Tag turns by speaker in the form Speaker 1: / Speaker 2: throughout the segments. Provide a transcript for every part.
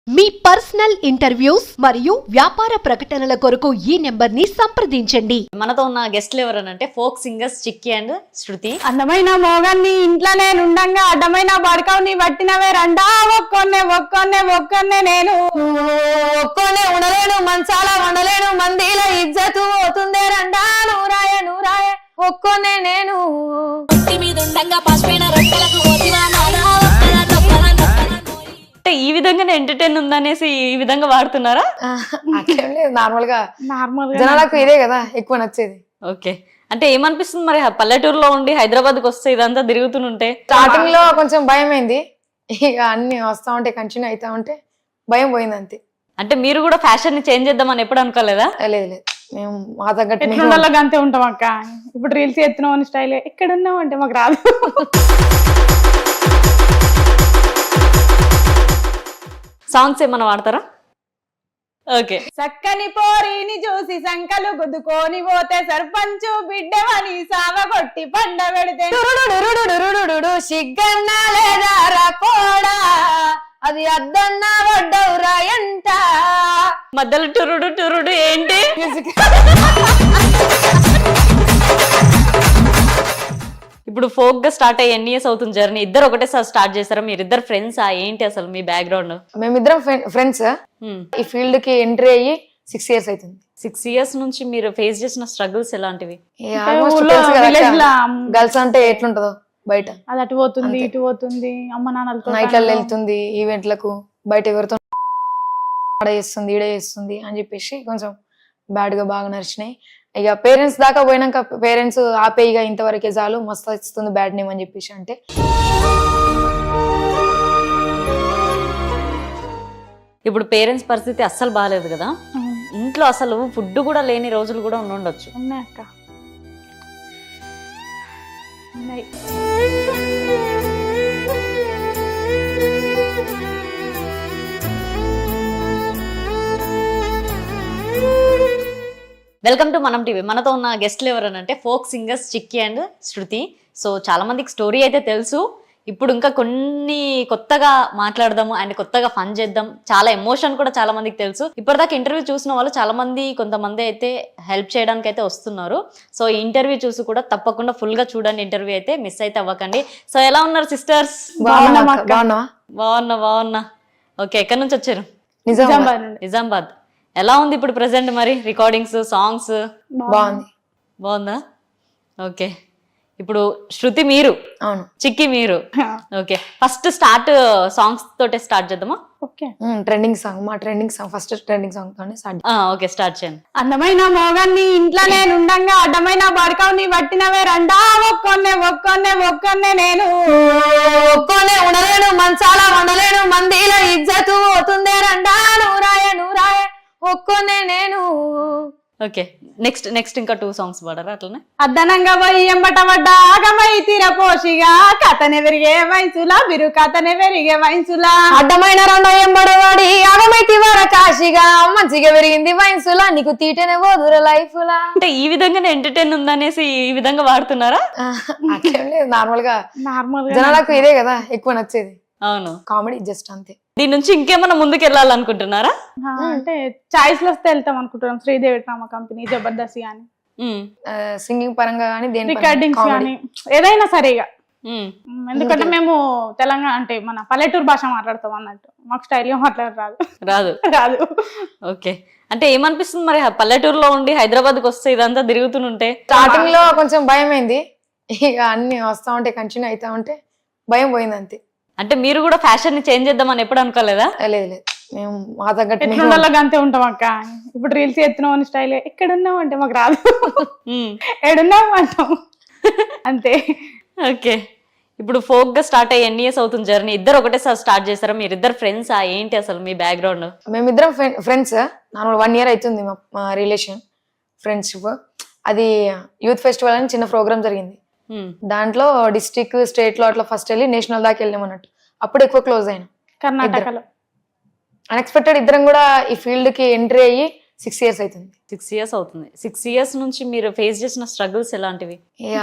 Speaker 1: మీ personal interviews మరియు వ్యాపార ప్రకటనల కొరకు ఈ నెంబర్ ని సంప్రదించండి.
Speaker 2: మనతో ఉన్న గెస్ట్లు ఎవరనంటే folk singers Chikki and Shruti.
Speaker 3: అందమైన మోగాన్ని ఇంట్లో నేను ఉండంగా అడ్డమైన బడకవుని పట్టినవే రండా ఒక్కొన్నే నేను ఒక్కొన్నే ఉండలేను మంచాల వండలేను మందిలో ఇజ్జతు పోతుందే రండా నూరాయ ఒక్కొన్నే నేను
Speaker 2: అంటే ఈ విధంగానే ఎంటర్టైన్ ఉందనేసి ఈ విధంగా వాడుతున్నారా?
Speaker 4: అట్లేం లేదు, నార్మల్ గా
Speaker 3: నార్మల్
Speaker 4: జనాలకు ఇదే కదా ఎక్కువ నచ్చేది.
Speaker 2: ఓకే, అంటే ఏమనిపిస్తుంది మరి పల్లెటూరులో ఉండి హైదరాబాద్ కి వస్తే ఇదంతా తిరుగుతుంటే?
Speaker 4: స్టార్టింగ్ లో కొంచెం భయం అయింది, ఇక అన్ని వస్తా ఉంటే కంటిన్యూ అవుతా ఉంటే భయం పోయింది అంతే.
Speaker 2: అంటే మీరు కూడా ఫ్యాషన్ ని చేంజ్ చేద్దామని ఎప్పుడు అనుకోలేదా?
Speaker 4: లేదు మేము మా తగ్గట్టు
Speaker 3: ఎట్లుండాలో అంతే ఉంటాం అక్క. ఇప్పుడు రీల్స్ ఎత్తున్నాం అని స్టైల్ ఎక్కడున్నాం అంటే మాకు రాదు.
Speaker 2: సాంగ్స్ ఏమన్నా వాడతారా? ఓకే.
Speaker 3: చక్కని పోరిని చూసి సంకలు గుద్దుకొని పోతే సర్పంచు బిడ్డవని సావగొట్టి పండ పెడితే
Speaker 4: సిగ్గన్నా లేదా పోడా అది అద్దన్నా వడ్డవురా ఎంట
Speaker 2: మధ్యలో టురుడు ఏంటి? ఇప్పుడు ఫోక్ గా స్టార్ట్ అయ్యి ఎన్ని ఇయర్స్ అవుతుంది జర్నీ? ఇద్దరు ఒకటేసారి స్టార్ట్ చేస్తారా? మీరిద్దరు ఫ్రెండ్స్ ఏంటి అసలు మీ బ్యాక్గ్రౌండ్?
Speaker 4: మేమిద్దరం ఫ్రెండ్స్. ఈ ఫీల్డ్ కి ఎంట్రీ అయ్యి 6 years అవుతుంది.
Speaker 2: 6 years నుంచి మీరు ఫేస్ చేసిన స్ట్రగుల్స్ ఎలాంటివి?
Speaker 4: గర్ల్స్ అంటే ఎట్లుంటదో బయట,
Speaker 3: అది అటు పోతుంది ఇటు పోతుంది, అమ్మ నాన్నలతో
Speaker 4: నైట్లలో వెళ్తుంది, ఈవెంట్లకు బయట ఎవరితో చేస్తుంది ఈడ చేస్తుంది అని చెప్పేసి కొంచెం బ్యాడ్ గా బాగా నడిచినాయి. ఇక పేరెంట్స్ దాకా పోయినాక పేరెంట్స్ ఆపే ఇక ఇంతవరకే చాలు, మస్తు ఇస్తుంది బ్యాడ్ నేమ్ అని చెప్పేసి అంటే
Speaker 2: ఇప్పుడు పేరెంట్స్ పరిస్థితి అస్సలు బాగాలేదు కదా, ఇంట్లో అసలు ఫుడ్ కూడా లేని రోజులు కూడా ఉండొచ్చు.
Speaker 3: ఉన్నాయి అక్క, ఉన్నాయి.
Speaker 2: Welcome to Manam TV. మనతో ఉన్న గెస్ట్లు ఎవరనంటే folk singers Chikki and Shruti. So చాలా మందికి స్టోరీ అయితే తెలుసు, ఇప్పుడు ఇంకా కొన్ని కొత్తగా మాట్లాడదాము అండ్ కొత్తగా ఫన్ చేద్దాం. చాలా ఎమోషన్ కూడా చాలా మందికి తెలుసు. ఇప్పటిదాకా ఇంటర్వ్యూ చూసిన వాళ్ళు చాలా మంది, కొంతమంది అయితే హెల్ప్ చేయడానికి అయితే వస్తున్నారు. సో ఈ ఇంటర్వ్యూ చూసి కూడా తప్పకుండా ఫుల్ గా చూడండి, ఇంటర్వ్యూ అయితే మిస్ అయితే అవ్వకండి. సో ఎలా ఉన్నారు సిస్టర్స్? బాగున్నా. ఓకే, ఎక్కడి నుంచి వచ్చారు? నిజామాబాద్. ఎలా ఉంది ఇప్పుడు ప్రెసెంట్ మరి రికార్డింగ్స్ సాంగ్స్? బాగుందా? ఓకే, ఇప్పుడు శృతి మీరు,
Speaker 4: అవును,
Speaker 2: చిక్కి మీరు. ఓకే, ఫస్ట్ స్టార్ట్ సాంగ్స్ తోటే స్టార్ట్ చేద్దామా?
Speaker 3: ఓకే,
Speaker 4: ట్రెండింగ్ సాంగ్, మా trending song, first trending song తోనే స్టార్ట్.
Speaker 2: ఓకే, స్టార్ట్ చేయండి.
Speaker 3: అందమైన మోగాన్ని ఇంట్లో నేను ఉండంగా అడ్డమైన బడకవుని పట్టినవే రండా ఒక్కొన్నే నేను
Speaker 4: ఒక్కొన్నే ఉండలేను మంచాల వండలేను మందిలో ఇజ్జతు పోతుందే రండా నూరాయ ఒక్కొన్నే నేను.
Speaker 2: ఓకే, నెక్స్ట్ ఇంకా 2 songs పాడరా అట్లనే?
Speaker 3: అద్దనంగా పోయి ఎంబట పడ్డ ఆగమై తీరపోషిగా కథనే పెరిగే వయసులా బిరు కథనే పెరిగే వయసులా
Speaker 4: అడ్డమైన రెండో ఎంబడవాడి ఆగమైతి వర కాశిగా మంచిగా పెరిగింది వయసులా నీకు తీటనే పోదుర లైఫ్ లా.
Speaker 2: అంటే ఈ విధంగానే ఎంటర్టైన్ ఉందనేసి ఈ విధంగా వాడుతున్నారా?
Speaker 4: అట్లేం లేదు, నార్మల్ గా జనాలకు ఇదే కదా ఎక్కువ నచ్చేది.
Speaker 2: అవును,
Speaker 4: కామెడీ జస్ట్ అంతే.
Speaker 2: దీని నుంచి ఇంకేమన్నా ముందుకు వెళ్ళాలనుకుంటున్నారా?
Speaker 3: అంటే చాయిస్ లో వస్తే వెళ్తాం అనుకుంటున్నాం. శ్రీదేవి డ్రామా కంపెనీ, జబర్దస్త్ గానీ,
Speaker 4: సింగింగ్ పరంగా గానీ,
Speaker 3: రికార్డింగ్స్ గానీ, ఏదైనా సరిగా. ఎందుకంటే మేము తెలంగాణ అంటే మన పల్లెటూరు భాష మాట్లాడతాం అన్నట్టు, మాకు స్టైల్ గా రాదు.
Speaker 2: ఓకే, అంటే ఏమనిపిస్తుంది మరి పల్లెటూరులో ఉండి హైదరాబాద్ కి వస్తే ఇదంతా తిరుగుతుంటే?
Speaker 4: స్టార్టింగ్ లో కొంచెం భయం అయింది, ఇక అన్ని వస్తా ఉంటే కంటిన్యూ అవుతా ఉంటే భయం పోయింది అంతే.
Speaker 2: అంటే మీరు కూడా ఫ్యాషన్ ని చేంజ్ చేద్దామని ఎప్పుడు అనుకోలేదా?
Speaker 4: లేదు మేము మా తగ్గట్టు
Speaker 3: ఎట్లుండాలో అంతే ఉంటాం అక్క. ఇప్పుడు రీల్స్ ఎత్తున్నాం అని స్టైల్ ఎక్కడున్నాం అంటే మాకు రాదు. ఎడున్నాం అంటాం అంతే.
Speaker 2: ఓకే, ఇప్పుడు ఫోక్ గా స్టార్ట్ అయ్యి ఎన్ని ఇయర్స్ అవుతుంది జర్నీ? ఇద్దరు ఒకటేసారి స్టార్ట్ చేస్తారా? మీరిద్దరు ఫ్రెండ్స్ ఏంటి అసలు మీ బ్యాక్గ్రౌండ్?
Speaker 4: మేమిద్దరం ఫ్రెండ్స్. నార్మల్ 1 year అవుతుంది మా రిలేషన్ ఫ్రెండ్షిప్. అది యూత్ ఫెస్టివల్ అని చిన్న ప్రోగ్రామ్ జరిగింది, దాంట్లో డిస్ట్రిక్ట్ స్టేట్ లో అట్లా ఫస్ట్ వెళ్ళి నేషనల్ దాకా వెళ్ళాం అన్నట్టు. అప్పుడు ఎక్కువ క్లోజ్ అయినా
Speaker 3: కర్ణాటకలో.
Speaker 4: అన్ఎక్స్పెక్టెడ్ ఇద్దరం కూడా ఈ ఫీల్డ్ కి ఎంట్రీ అయ్యి 6 years అవుతుంది.
Speaker 2: 6 years అవుతుంది. 6 years నుంచి మీరు ఫేస్ చేసిన స్ట్రగుల్స్ ఎలాంటివి?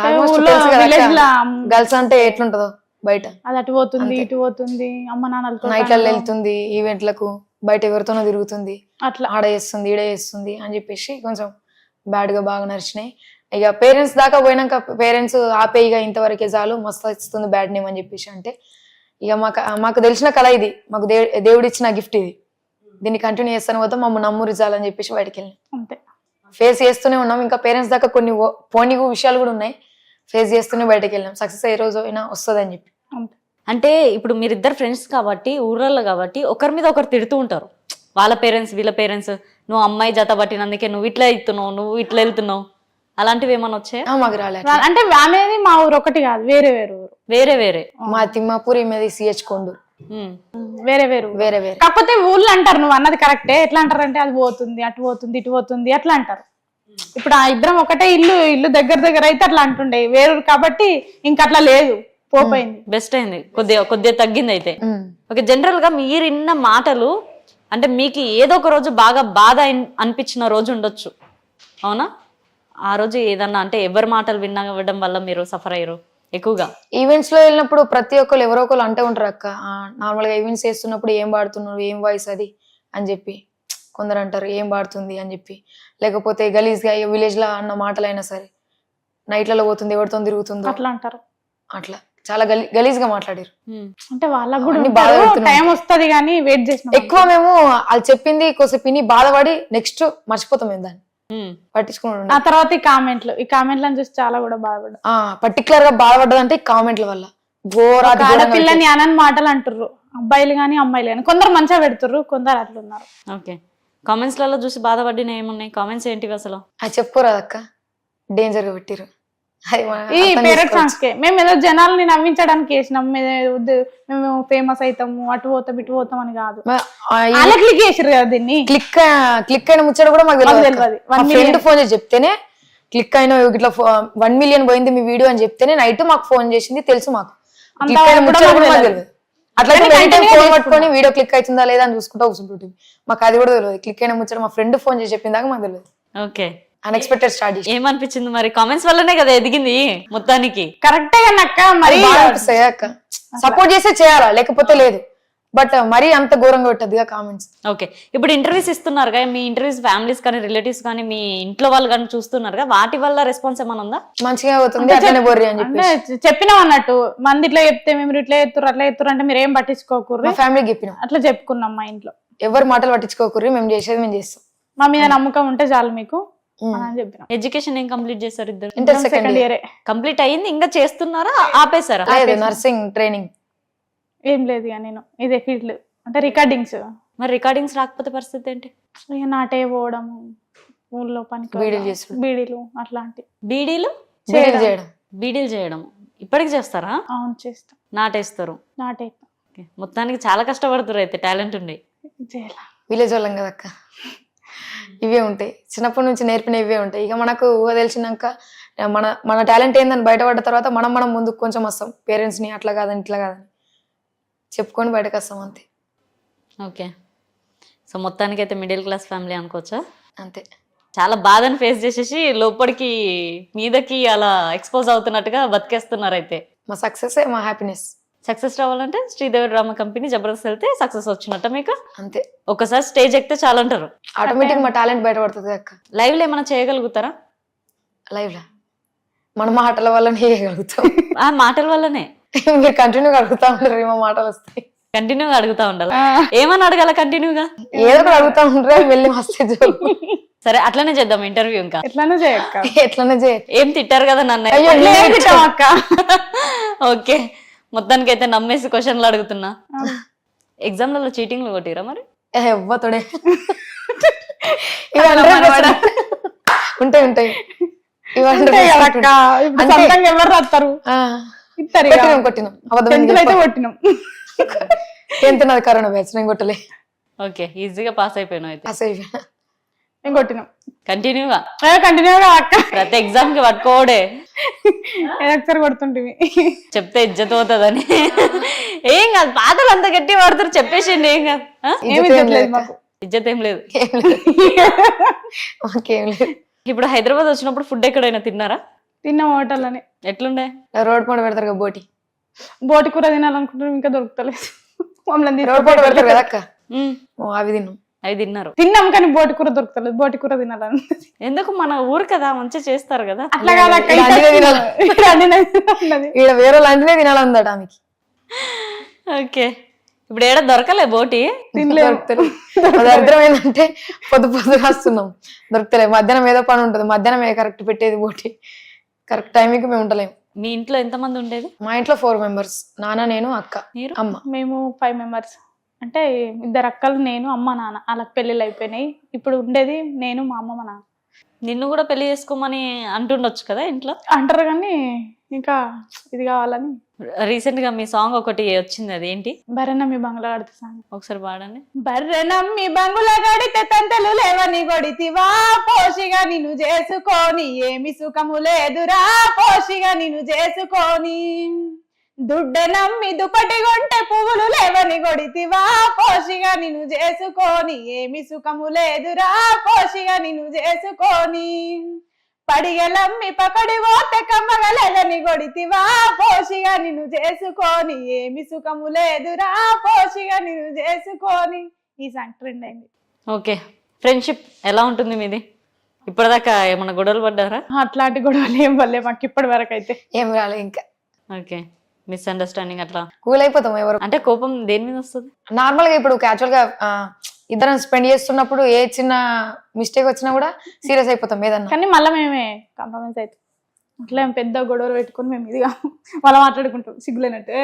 Speaker 4: గర్ల్స్ అంటే ఎట్లుంటదో బయట,
Speaker 3: అది అటు పోతుంది ఇటు పోతుంది, అమ్మ నాన్నలతో
Speaker 4: నైట్లలో వెళ్తుంది, ఈవెంట్లకు బయట ఎవరితోనో తిరుగుతుంది,
Speaker 3: అట్లా
Speaker 4: ఆడ చేస్తుంది ఈడ చేస్తుంది అని చెప్పేసి కొంచెం బ్యాడ్ గా బాగా నడిచినాయి. ఇక పేరెంట్స్ దాకా పోయినాక పేరెంట్స్ ఆపే ఇక ఇంతవరకే చాలు, మస్తు ఇస్తుంది బ్యాడ్ నేమ్ అని చెప్పేసి అంటే ఇక మాకు తెలిసిన కళ ఇది, మాకు దేవుడు ఇచ్చిన గిఫ్ట్ ఇది, దీన్ని కంటిన్యూ చేస్తాను పోతే మమ్మల్ని నమ్మురు చాలని చెప్పేసి బయటకు వెళ్ళినాం.
Speaker 3: అంతే.
Speaker 4: ఫేస్ చేస్తూనే ఉన్నాం, ఇంకా పేరెంట్స్ దాకా కొన్ని పోనీ విషయాలు కూడా ఉన్నాయి, ఫేస్ చేస్తూనే బయటకు వెళ్ళాం. సక్సెస్ ఏ రోజు అయినా వస్తుంది అని చెప్పి.
Speaker 3: అంతే.
Speaker 2: అంటే ఇప్పుడు మీరిద్దరు ఫ్రెండ్స్ కాబట్టి ఊర్లలో కాబట్టి ఒకరి మీద ఒకరు తిడుతూ ఉంటారు, వాళ్ళ పేరెంట్స్ వీళ్ళ పేరెంట్స్, నువ్వు అమ్మాయి జత పట్టినందుకే నువ్వు ఇట్లా వెళ్తున్నావు, నువ్వు ఇట్లా వెళ్తున్నావు, అలాంటివి ఏమైనా వచ్చాయా?
Speaker 4: మాకు రాలేదు.
Speaker 3: అంటే అనేది మా ఊరు ఒకటి కాదు, వేరే వేరే ఊరు.
Speaker 2: వేరే వేరే
Speaker 4: మా తిమ్మాపూర్ ఈమెది సిహెచ్ కొండూరు,
Speaker 3: వేరే వేరు
Speaker 4: వేరే వేరే.
Speaker 3: కాకపోతే ఊళ్ళో అంటారు, నువ్వు అన్నది కరెక్టే. ఎట్లా అంటారు అంటే అది పోతుంది, అటు పోతుంది, ఇటు పోతుంది అట్లా అంటారు. ఇప్పుడు ఆ ఇద్దరం ఒకటే ఇల్లు దగ్గర దగ్గర అయితే అట్లా అంటుండే, వేరు కాబట్టి ఇంక అట్లా లేదు, పోపోయింది.
Speaker 2: బెస్ట్ అయింది, కొద్దిగా తగ్గింది అయితే. ఓకే, జనరల్ గా మీరు ఇన్న మాటలు అంటే మీకు ఏదో ఒక రోజు బాగా బాధ అనిపించిన రోజు ఉండొచ్చు, అవునా? ఆ రోజు ఏదన్నా అంటే ఎవరి మాటలు వినడం వల్ల మీరు సఫర్ అయ్యారు ఎక్కువగా?
Speaker 4: ఈవెంట్స్ లో వెళ్ళినప్పుడు ప్రతి ఒక్కరు ఎవరో ఒకరు అంటూ ఉంటారు అక్క, నార్మల్ గా ఈవెంట్స్ చేస్తున్నప్పుడు ఏం పాడుతున్నారు, ఏం వాయిస్ అది అని చెప్పి కొందరు అంటారు, ఏం పాడుతుంది అని చెప్పి. లేకపోతే గలీజ్ గా విలేజ్ లో అన్న మాటలైనా సరే, నైట్లలో పోతుంది, ఎవరితో తిరుగుతుందో
Speaker 3: అట్లా అంటారు.
Speaker 4: అట్లా చాలా గలీజ్ గా మాట్లాడారు.
Speaker 3: అంటే వాళ్ళకు కూడా
Speaker 4: అన్ని బాధ పెడుతున్నాం.
Speaker 3: టైం వస్తుంది కానీ వెయిట్ చేసిన
Speaker 4: ఎక్కువ మేము వాళ్ళు చెప్పింది కొద్దిసేపు విని బాధపడి నెక్స్ట్ మర్చిపోతాం మేము దాన్ని, పట్టించుకున్నాడు.
Speaker 3: ఆ తర్వాత ఈ కామెంట్లను చూసి చాలా కూడా బాధపడ్డా.
Speaker 4: పర్టికులర్ గా బాధపడ్డదంటే ఈ కామెంట్ల వల్ల.
Speaker 3: ఆడపిల్లని అనని మాటలు అంటుర్రు, అబ్బాయిలు గాని అమ్మాయిలు గాని. కొందరు మంచిగా పెడుతుర్రు, కొందరు అట్లున్నారు.
Speaker 2: ఓకే, కామెంట్స్ లలో చూసి బాధపడిన ఏమున్నాయి? కామెంట్స్ ఏంటివి అసలు?
Speaker 4: అది చెప్పుకోరాదక్క, డేంజర్ గా పెట్టిరు.
Speaker 3: ఈ పేరెంట్ సాంగ్స్ కే మేము ఏదో జనాల్ని నవ్వించడానికి వేసినాం, మేము ఫేమస్ అవుతాము, అటు పోతాం ఇటు పోతాం అని కాదు. అలా క్లిక్ చేసిర్రు కదా దీన్ని.
Speaker 4: క్లిక్ అయిన ముచ్చట కూడా మాకు తెలియదు. ఫ్రెండ్ ఫోన్ చేసి చెప్తేనే క్లిక్ అయిన ఇట్లా 1 million పోయింది మీ వీడియో అని చెప్తేనే నైట్ మాకు ఫోన్ చేసింది, తెలుసు మాకు. క్లిక్ అయిన ముచ్చట కూడా మాకు తెలియదు. అట్లా ఫోన్ పట్టుకొని వీడియో క్లిక్ అవుతుందా లేదా అని చూసుకుంటా కూర్చుంటుంది. మాకు అది కూడా తెలియదు. క్లిక్ అయిన ముచ్చట మా ఫ్రెండ్ ఫోన్ చేసి చెప్పిందాక మాకు తెలియదు.
Speaker 2: ఓకే,
Speaker 4: అన్ఎక్స్పెక్టెడ్ స్టార్ట్ చేసి.
Speaker 2: ఏమనిపించింది మరి? కామెంట్స్ వల్లనే కదా ఎదిగింది మొత్తానికి.
Speaker 3: కరెక్టే అక్క, మరి
Speaker 4: సపోర్ట్ చేస్తే చేయాలా, లేకపోతే లేదు. బట్ మరీ అంత ఘోరంగా పెట్టద్దుగా కామెంట్స్.
Speaker 2: ఓకే, ఇప్పుడు ఇంటర్వ్యూస్ ఇస్తున్నారుగా, మీ ఇంటర్వ్యూస్ ఫ్యామిలీస్ కానీ రిలేటివ్స్ కానీ మీ ఇంట్లో వాళ్ళు కానీ చూస్తున్నారుగా, వాటి వల్ల రెస్పాన్స్ ఏమైనా ఉందా?
Speaker 4: మంచిగా అవుతుంది, అట్లనే బొర్రి అని చెప్పి
Speaker 3: చెప్పినాం అన్నట్టు. మంది ఇట్లా చెప్తే మేము ఇట్లా ఎత్తురు అట్లా ఎత్తురు అంటే మీరు ఏం పట్టించుకోకూర్రు,
Speaker 4: ఫ్యామిలీకి చెప్పినాం.
Speaker 3: అట్లా చెప్పుకున్నాం మా ఇంట్లో.
Speaker 4: ఎవరు మాటలు పట్టించుకోకూర్రి, మేము చేసేది మేము చేస్తాం,
Speaker 3: మా మీద నమ్మకం ఉంటే చాలు మీకు అని చెప్పినాం.
Speaker 2: ఎడ్యుకేషన్ ఏం కంప్లీట్ చేశారు ఇద్దరు?
Speaker 4: Inter
Speaker 3: second
Speaker 4: second
Speaker 3: year
Speaker 2: complete అయ్యింది, ఇంకా చేస్తున్నారా ఆపేశారా?
Speaker 4: నర్సింగ్ ట్రైనింగ్
Speaker 3: ఏం లేదు ఇక నేను ఇదే ఫీల్డ్, అంటే రికార్డింగ్స్.
Speaker 2: మరి రికార్డింగ్స్ రాకపోతే పరిస్థితి ఏంటి?
Speaker 3: ఇక నాటే పోవడము, ఊళ్ళో పనికి
Speaker 4: బీడీలు చేసుడు.
Speaker 3: బీడీలు అట్లాంటి
Speaker 2: బీడీలు
Speaker 4: చేయడం.
Speaker 2: బీడీలు చేయడం ఇప్పటికి చేస్తారా?
Speaker 3: అవును చేస్తాం,
Speaker 2: నాటేస్తారు.
Speaker 3: నాటే
Speaker 2: Okay. మొత్తానికి చాలా కష్టపడుతారు అయితే, టాలెంట్ ఉండి.
Speaker 3: చేయాల
Speaker 4: విలేజ్ వాళ్ళం కదక్క, ఇవే ఉంటాయి, చిన్నప్పటి నుంచి నేర్పిన ఇవే ఉంటాయి. ఇక మనకు ఊహ తెలిసినాక మన టాలెంట్ ఏందని బయటపడ్డ తర్వాత మనం ముందుకు కొంచెం వస్తాం. పేరెంట్స్ ని అట్లా కాదని ఇట్లా కాదని చెప్పుకొని బయటకు వస్తాం, అంతే.
Speaker 2: ఓకే, సో మొత్తానికి అయితే మిడిల్ క్లాస్ ఫ్యామిలీ అనుకోవచ్చా?
Speaker 4: అంతే.
Speaker 2: చాలా బాధను ఫేస్ చేసేసి లోపలికి మీదకి అలా ఎక్స్పోజ్ అవుతున్నట్టుగా బతికేస్తున్నారు అయితే.
Speaker 4: మా సక్సెస్ మా హ్యాపీనెస్.
Speaker 2: సక్సెస్ రావాలంటే శ్రీదేవి డ్రామా కంపెనీ జబర్దస్త్ వెళ్తే సక్సెస్ వచ్చినట్ట మీకు?
Speaker 4: అంతే.
Speaker 2: ఒకసారి స్టేజ్ ఎక్కితే చాలా అంటారు,
Speaker 4: ఆటోమేటిక్ మా టాలెంట్ బయటపడుతుంది అక్క.
Speaker 2: లైవ్ లో ఏమైనా చేయగలుగుతారా?
Speaker 4: లైవ్ లా మన మాటల వల్లనే చేయగలుగుతాం.
Speaker 2: ఆ మాటల వల్లనే
Speaker 4: మీరు కంటిన్యూగా అడుగుతా ఉంటారు, మా మాటలు వస్తాయి.
Speaker 2: కంటిన్యూగా అడుగుతా ఉండాలి. ఏమని అడగాల కంటిన్యూగా?
Speaker 4: ఏదో ఒకటి అడుగుతా ఉంటారు, వెళ్ళి వస్తే
Speaker 2: సరే అట్లనే చేద్దాం ఇంటర్వ్యూ. ఇంకా
Speaker 3: ఎట్లానే చేయక్క,
Speaker 4: ఎట్లనే చేయ.
Speaker 2: ఏం తిట్టారు కదా నన్ను.
Speaker 3: అక్క
Speaker 2: ఓకే, మొత్తానికి అయితే నమ్మేసి క్వశ్చన్లు అడుగుతున్నా. ఎగ్జామ్లలో చీటింగ్లు కొట్టిరా మరి?
Speaker 4: ఎవ్వతోడే ఉంటాయి.
Speaker 3: ఎవరు రాస్తారు?
Speaker 4: కొట్టినాం.
Speaker 3: అయితే కొట్టినాం.
Speaker 4: ఎంత నాది కరోనా బ్యాచ్, నేను కొట్టలే.
Speaker 2: ఓకే, ఈజీగా పాస్ అయిపోయినావు అయితే.
Speaker 4: పాస్ అయిపోయినా.
Speaker 3: మేము కొట్టినాం
Speaker 2: కంటిన్యూగా
Speaker 3: అక్క.
Speaker 2: ప్రతి ఎగ్జామ్ కి పట్టుకోడే
Speaker 3: ఒకసారి కొడుతుంటివి,
Speaker 2: చెప్తే ఇజ్జత్ పోతుందని. ఏం కాదు, పాతలు అంత గట్టి పడతారు, చెప్పేసిండి. ఏం కాదు, ఇజ్జత్ ఏం లేదు. ఇప్పుడు హైదరాబాద్ వచ్చినప్పుడు ఫుడ్ ఎక్కడైనా తిన్నారా?
Speaker 3: తిన్న హోటల్ అని.
Speaker 2: ఎట్లుండే?
Speaker 4: రోడ్ పండు పెడతారు కదా, బోటి
Speaker 3: కూర తినాలనుకుంటున్నాం, ఇంకా దొరుకుతలేదు.
Speaker 4: రోడ్ పండు పెడతారు కదా అక్క, అవి తిన్నాం.
Speaker 2: అవి తిన్నారు.
Speaker 3: తిన్నాం కానీ బోటి కూర దొరుకుతలేదు, బోటి కూర తినాలని.
Speaker 2: ఎందుకు మన ఊరు కదా మంచిగా చేస్తారు కదా.
Speaker 3: అట్లా కాదు అక్క,
Speaker 4: ఇలా అన్నీ తినాలి.
Speaker 3: అన్నది.
Speaker 4: ఈడ వేరే లాంటిదే తినాలందట ఆమెకి.
Speaker 2: ఓకే, ఇప్పుడు ఏడ దొరకలే బోటి.
Speaker 4: దొరుకుతలేదు. దరిద్రం ఏంటంటే పొద్దు రాస్తున్నాం, దొరుకుతలేదు. మధ్యాహ్నం ఏదో పని ఉంటుంది, మధ్యాహ్నం కరెక్ట్ పెట్టేది బోటి, కరెక్ట్ టైంకి మేము ఉండలేము.
Speaker 2: మీ ఇంట్లో ఎంతమంది ఉండేది?
Speaker 4: మా ఇంట్లో 4 members, నాన్న, నేను, అక్క,
Speaker 2: మీరు?
Speaker 4: అమ్మ.
Speaker 3: మేము 5 members. అంటే 2 అక్కలు, నేను, అమ్మ, నాన్న. వాళ్ళకి పెళ్ళిళ్ళు అయిపోయినాయి. ఇప్పుడు ఉండేది నేను, మా అమ్మ, మా నాన్న.
Speaker 2: నిన్ను కూడా పెళ్లి చేసుకోమని అంటుండొచ్చు కదా ఇంట్లో.
Speaker 3: అంటారు కానీ ఇంకా ఇది కావాలని.
Speaker 2: రీసెంట్ గా మీ సాంగ్ ఒకటి వచ్చింది, అది ఏంటి?
Speaker 3: బర్రెనమ్మి బంగ్లా కడితే సాంగ్
Speaker 2: ఒకసారి పాడండి.
Speaker 3: బర్రెనమ్మి బంగుల గడితే తంతలు లేవని గొడితివా, పోషిగా నిన్ను చేసుకొని ఏమి సుఖము లేదురా, పోషిగా నిన్ను చేసుకొని. దుడ్డె నమ్మి దుప్పటి కొంటే పువ్వులు లేవని గొడితివా, పోషిగా నిన్ను చేసుకొని ఏమి సుఖము లేదురా, పోషిగా నిన్ను చేసుకొని. పడిగలమ్మి పకడి పోతే కమ్మగలేదని గొడితివా, పోషిగా నిన్ను చేసుకొని ఏమి సుఖము లేదురా, పోషిగా నిన్ను చేసుకొని. ఈ సాంగ్ ట్రెండ్ అయింది.
Speaker 2: ఓకే, ఫ్రెండ్షిప్ ఎలా ఉంటుంది మీది? ఇప్పటిదాకా ఏమన్నా గొడవలు పడ్డారా?
Speaker 3: అట్లాంటి గొడవలు ఏం వల్లే మాకు ఇప్పటి వరకు అయితే.
Speaker 4: ఏం రాలే ఇంకా.
Speaker 2: ఓకే, మిస్అండర్స్టాండింగ్ అట్లా
Speaker 4: కూల్ అయిపోతాం ఎవరు.
Speaker 2: అంటే కోపం దేని మీద వస్తుంది?
Speaker 4: నార్మల్ గా ఇప్పుడు క్యాజువల్ గా ఇద్దరం స్పెండ్ చేస్తున్నప్పుడు ఏ చిన్న మిస్టేక్ వచ్చినా కూడా సీరియస్ అయిపోతాం ఏదన్నా.
Speaker 3: కానీ మళ్ళీ మేమే కాంప్రమైజ్ అవుతాం. అట్లా ఏం పెద్ద గొడవలు పెట్టుకుని మేము ఇదిగా మళ్ళీ మాట్లాడుకుంటాం సిగ్గులేనట్టు.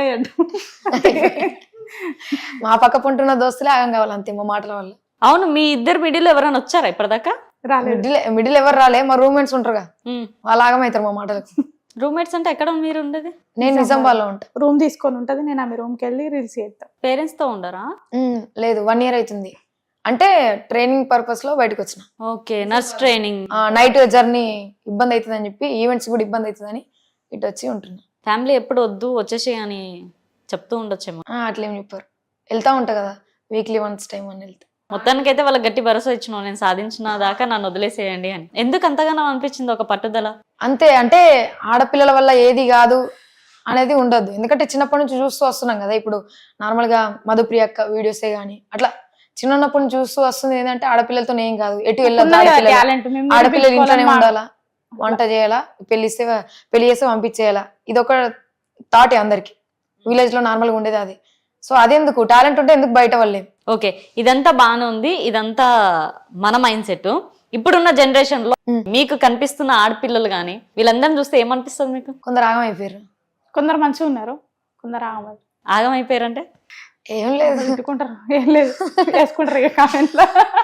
Speaker 4: మా పక్క పొంటున్న దోస్తులే ఆగం కావాలి అంతే మా మాటల వల్ల.
Speaker 2: అవును, మీ ఇద్దరు మిడిల్ ఎవరైనా వచ్చారా ఇప్పటిదాకా?
Speaker 3: రాలేదు.
Speaker 4: మిడిల్ ఎవరు రాలే, మా రూమ్మేట్స్ ఉంటారుగా వాళ్ళు ఆగమవుతారు మా మాటలకు.
Speaker 2: రూమ్మేట్స్ అంటే ఎక్కడ మీరు ఉండేది?
Speaker 4: నేను నిజామాబాద్లో ఉంటా.
Speaker 3: రూమ్ తీసుకొని ఉంటది, నేను ఆమె రూమ్కి వెళ్ళి రీల్స్ చేస్తాను.
Speaker 2: పేరెంట్స్ తో ఉండరా?
Speaker 4: లేదు, 1 year అవుతుంది. అంటే ట్రైనింగ్ పర్పస్ లో బయటకు వచ్చిన.
Speaker 2: Okay, nurse training.
Speaker 4: Night journey ఇబ్బంది అవుతుంది అని చెప్పి, ఈవెంట్స్ కూడా ఇబ్బంది అవుతుందని ఇటు వచ్చి ఉంటున్నా.
Speaker 2: ఫ్యామిలీ ఎప్పుడు వద్దు వచ్చేసి అని చెప్తూ ఉండొచ్చేమో.
Speaker 4: అట్లేం చెప్పారు, వెళ్తా ఉంటా కదా వీక్లీ వన్స్ టైం అని వెళ్తా.
Speaker 2: మొత్తానికైతే వాళ్ళకి గట్టి భరోసా ఇచ్చినావు, నేను సాధించిన దాకా నన్ను వదిలేసేయండి అని. ఎందుకు అంతగానో అనిపించింది ఒక పట్టుదల?
Speaker 4: అంతే, అంటే ఆడపిల్లల వల్ల ఏది కాదు అనేది ఉండదు. ఎందుకంటే చిన్నప్పటి నుంచి చూస్తూ వస్తున్నాం కదా. ఇప్పుడు నార్మల్ గా మధుప్రియ అక్క వీడియోసే గానీ అట్లా చిన్నప్పటి నుంచి చూస్తూ వస్తుంది. ఏంటంటే ఆడపిల్లలతో ఏం కాదు, ఎటు వెళ్ళదు, ఆడపిల్లలు ఇంట్లోనే ఉండాలా, వంట చేయాలా, పెళ్లి చేస్తే పంపించేయాలా, ఇది ఒక థాట్ అందరికి. విలేజ్ లో నార్మల్ గా ఉండేది అది. సో అదెందుకు, టాలెంట్ ఉంటే ఎందుకు బయట వాళ్ళే.
Speaker 2: ఓకే, ఇదంతా బాగానే ఉంది, ఇదంతా మన మైండ్ సెట్. ఇప్పుడున్న జనరేషన్ లో మీకు కనిపిస్తున్న ఆడపిల్లలు గానీ వీళ్ళందరిని చూస్తే ఏమనిపిస్తుంది మీకు?
Speaker 4: కొందరు ఆగం అయిపోయారు,
Speaker 3: కొందరు మంచిగా ఉన్నారు, కొందరు ఆగం.
Speaker 2: ఆగం అయిపోయారంటే
Speaker 4: ఏం లేదు,
Speaker 3: పెట్టుకుంటారు, ఏం లేదు వేసుకుంటారు ఇక కామెంట్లో.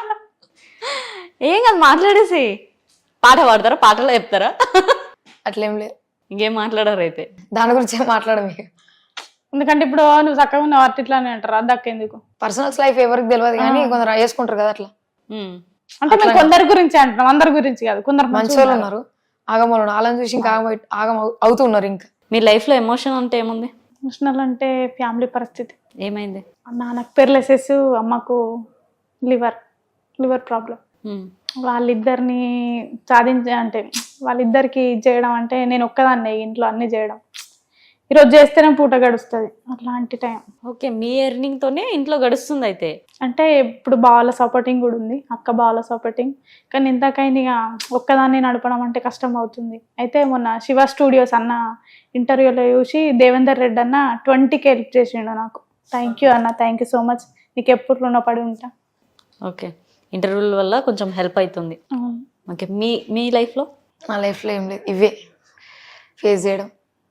Speaker 2: ఏం కాదు, మాట్లాడేసి పాట పాడతారా, పాటలో చెప్తారా?
Speaker 4: అట్లేం లేదు.
Speaker 2: ఇంకేం మాట్లాడారు అయితే?
Speaker 4: దాని గురించి ఏం మాట్లాడము.
Speaker 3: ఎందుకంటే ఇప్పుడు నువ్వు చక్కగా ఉన్నావు అట్లా ఇట్లానే అంటారు, అది దక్కేందుకు.
Speaker 4: పర్సనల్స్ లైఫ్ ఎవరికి తెలియదు కానీ కొందరు వేసుకుంటారు కదా అట్లా.
Speaker 3: అంటే మేము కొందరి గురించి అంటున్నాం, అందరి గురించి కాదు. కొందరు
Speaker 4: మంచి వాళ్ళు ఉన్నారు, ఆగమలు ఉన్నారు, వాళ్ళని చూసి ఇంకా ఆగం అవుతున్నారు. ఇంకా
Speaker 2: మీ లైఫ్ లో ఎమోషన్ అంటే ఏముంది?
Speaker 3: ఎమోషనల్ అంటే ఫ్యామిలీ పరిస్థితి.
Speaker 2: ఏమైంది?
Speaker 3: నాన్నకు పెర్లెసెస్, అమ్మకు లివర్ ప్రాబ్లం. వాళ్ళిద్దరిని అంటే వాళ్ళిద్దరికి చేయడం అంటే నేను ఒక్కదాన్నే ఇంట్లో అన్ని చేయడం. ఈరోజు చేస్తేనే పూట గడుస్తుంది, అట్లాంటి టైం.
Speaker 2: ఓకే, మీ ఎర్నింగ్ తోనే ఇంట్లో గడుస్తుంది అయితే.
Speaker 3: అంటే ఇప్పుడు బావాల సపోర్టింగ్ కూడా ఉంది, అక్క బావాల సపోర్టింగ్. కానీ ఇంతకైనా ఇక ఒక్కదాన్ని నడపడం అంటే కష్టం అవుతుంది. అయితే మొన్న శివ స్టూడియోస్ అన్న ఇంటర్వ్యూలో చూసి దేవేందర్ రెడ్డి అన్న 20K హెల్ప్ చేసిండు నాకు. థ్యాంక్ యూ అన్న, థ్యాంక్ యూ సో మచ్, నీకు ఎప్పుడు రుణపడి ఉంటా.
Speaker 2: ఓకే, ఇంటర్వ్యూల వల్ల కొంచెం హెల్ప్ అవుతుంది. ఓకే, మీ లైఫ్ లో?
Speaker 4: నా లైఫ్ లో ఏం లేదు, ఇవే ఫేస్ చేయడం,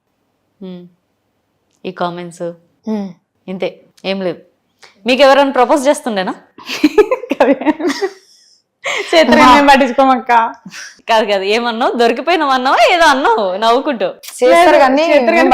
Speaker 2: ఈ కామెంట్స్, ఇంతే, ఏం లేదు. మీకు ఎవరైనా ప్రపోజ్ చేస్తుండేనా?
Speaker 3: పట్టించుకోమక్క.
Speaker 2: కాదు కాదు, ఏమన్నావు? దొరికిపోయినావు ఏదో అన్నావు నవ్వుకుంటూ.
Speaker 4: చేస్తారు కానీ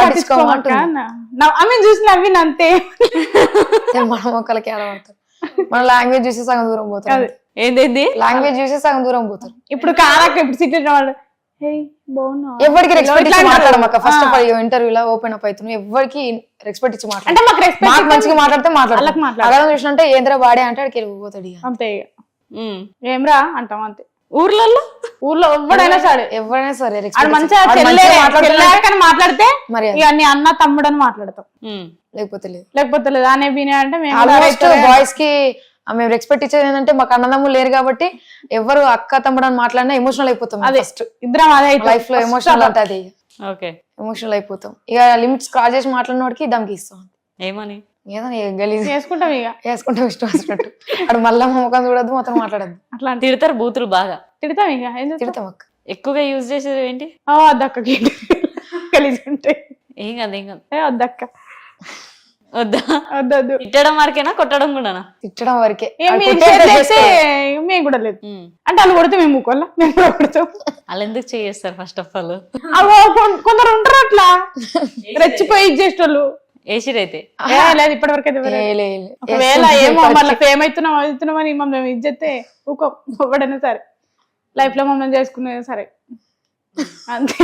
Speaker 3: ఆమె చూసి నవ్విన అంతే.
Speaker 4: మన మొక్కలకి ఆడబడతారు, మన లాంగ్వేజ్ చూసి సగం దూరం పోతారు.
Speaker 2: ఏంది
Speaker 4: లాంగ్వేజ్ చూసి సగం దూరం పోతారు.
Speaker 3: ఇప్పుడు కాదక్క, ఇప్పుడు సిటీ వాళ్ళు
Speaker 4: ఎవరికి రెస్పెక్ట్ ఇచ్చి మాట్లాడమక్క. ఫస్ట్ ఆఫ్ ఆల్ ఇంటర్వ్యూలో ఓపెన్ అప్ అవుతున్నాం, ఎవరికి రెస్పెక్ట్ ఇచ్చి మాట్లాడు. మాకు మంచిగా మాట్లాడితే మాట్లాడతాం, చూసినంటే ఏంద్రా బాడే అంటే అక్కడికి వెళ్ళిపోతాడు అంతే.
Speaker 3: ఏమ్రా అంటాం అంతే.
Speaker 2: ఊర్లో
Speaker 3: ఎవరైనా సరే మంచిగా మాట్లాడితే మరి అన్ని అన్న తమ్ముడు అని మాట్లాడతాం,
Speaker 4: లేకపోతే లేదు
Speaker 3: అనే వినే అంటే
Speaker 4: బాయ్స్ కి మేము రెస్పెక్ట్ ఇచ్చేది ఏంటంటే మాకు అన్నదమ్ములు లేరు కాబట్టి ఎవరు అక్క తమ్ముడు అని మాట్లాడినా ఎమోషనల్ అయిపోతాం.
Speaker 3: అదే
Speaker 4: ఫస్ట్
Speaker 3: ఇద్దరం అదే
Speaker 4: లైఫ్ లో ఎమోషనల్ అంటే అది
Speaker 2: ఓకే,
Speaker 4: ఎమోషనల్ అయిపోతాం. ఇక లిమిట్స్ క్రాస్ చేసి మాట్లాడిన వాడికి దమ్కి ఇస్తాం.
Speaker 2: ఏమని?
Speaker 4: ఏదో గలీజ్
Speaker 3: చేసుకుంటాం ఇక
Speaker 4: వేసుకుంటాం ఇష్టం వచ్చినట్టు. అక్కడ మళ్ళా మా ముఖం చూడద్దు, మొత్తం మాట్లాడద్దు.
Speaker 3: అట్లా
Speaker 2: తిడతారు బూతులు బాగా?
Speaker 3: తిడతాం ఇక ఏం చేస్తాం?
Speaker 4: తిడతాం అక్క.
Speaker 2: ఎక్కువగా యూజ్ చేసేది ఏంటి?
Speaker 3: వద్దక్కకి గలీజ్ ఉంటాయి.
Speaker 2: ఏం కాదు ఏం కాదు,
Speaker 3: వద్దక్క
Speaker 2: వద్దా?
Speaker 3: వద్దొద్దు.
Speaker 2: తిట్టడం వరకేనా, కొట్టడం కూడానా?
Speaker 4: తిట్టడం వరకే.
Speaker 3: ఇక మీరు చేస్తే మేము కూడా లేదు. అంటే వాళ్ళు కొడితే మేము ఊకోవాలా, మేము కూడా కొడతాం.
Speaker 2: వాళ్ళు ఎందుకు చేస్తారు ఫస్ట్ ఆఫ్ ఆల్?
Speaker 3: అవో కొందరు ఉంటారు అట్లా రెచ్చిపోయి ఇచ్చేటోళ్ళు.
Speaker 2: ఏసిరైతే
Speaker 3: లేదు ఇప్పటి వరకు అయితే
Speaker 4: లే, లే, లే.
Speaker 3: ఒకవేళ ఏమో మళ్ళీ ఫేమ్ అవుతున్నామని మమ్మల్ని ఇజ్జతే ఊకో ఇవ్వడైనా సరే, లైఫ్ లో మమ్మల్ని చేసుకునే సరే అంతే.